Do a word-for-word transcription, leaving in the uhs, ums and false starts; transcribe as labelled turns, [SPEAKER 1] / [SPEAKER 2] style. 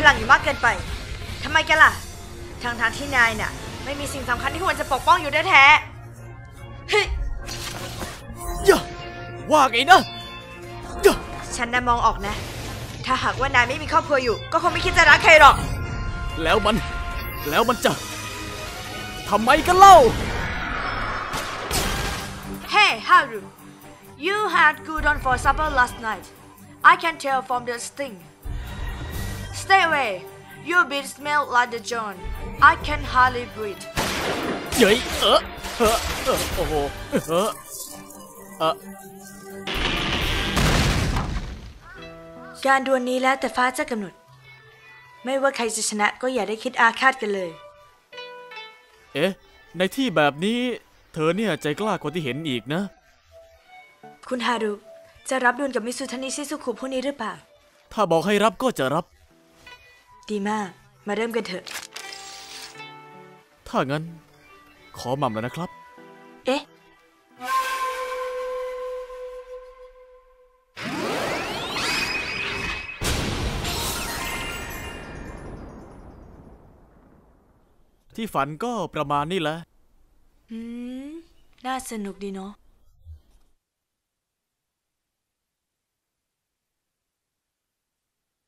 [SPEAKER 1] ลังอยู่มากเกินไปทำไมกันล่ะทางทางที่นายน่ะไม่มีสิ่งสำคัญที่ควรจะปกป้องอยู่แท้ๆเฮ้ย
[SPEAKER 2] ย่าว่าไงนะย่า
[SPEAKER 1] ฉันน่ะมองออกนะถ้าหากว่านายไม่มีครอบครัวอยู่ก็คงไม่คิดจะรักใครหรอก
[SPEAKER 2] แล้วมันแล้วมันจะทำไมกันเล่า
[SPEAKER 1] Hey Haru you had gyudon for supper last night I can tell from the sting Stay away your breath smell like the John I can hardly breathe
[SPEAKER 2] เย้ยเออเออเออโอ้โหเออเออ
[SPEAKER 1] การดวลนี้แล้วแต่ฟ้าจะกำหนดไม่ว่าใครจะชนะก็อย่าได้คิดอาฆาตกันเลย
[SPEAKER 2] เอ๊ะในที่แบบนี้เธอเนี่ยใจกล้ากว่าที่เห็นอีกนะ
[SPEAKER 1] คุณฮารุจะรับดวลกับมิสุทานิชิซุคุผู้นี้หรือเปล่า
[SPEAKER 2] ถ้าบอกให้รับก็จะรับ
[SPEAKER 1] ดีมากมาเริ่มกันเถอะ
[SPEAKER 2] ถ้างั้นขอหม่ำแล้วนะครับ
[SPEAKER 1] เอ๊ะ
[SPEAKER 2] ที่ฝันก็ประมาณนี้แหละ
[SPEAKER 1] อืมน่าสนุกดีเนาะ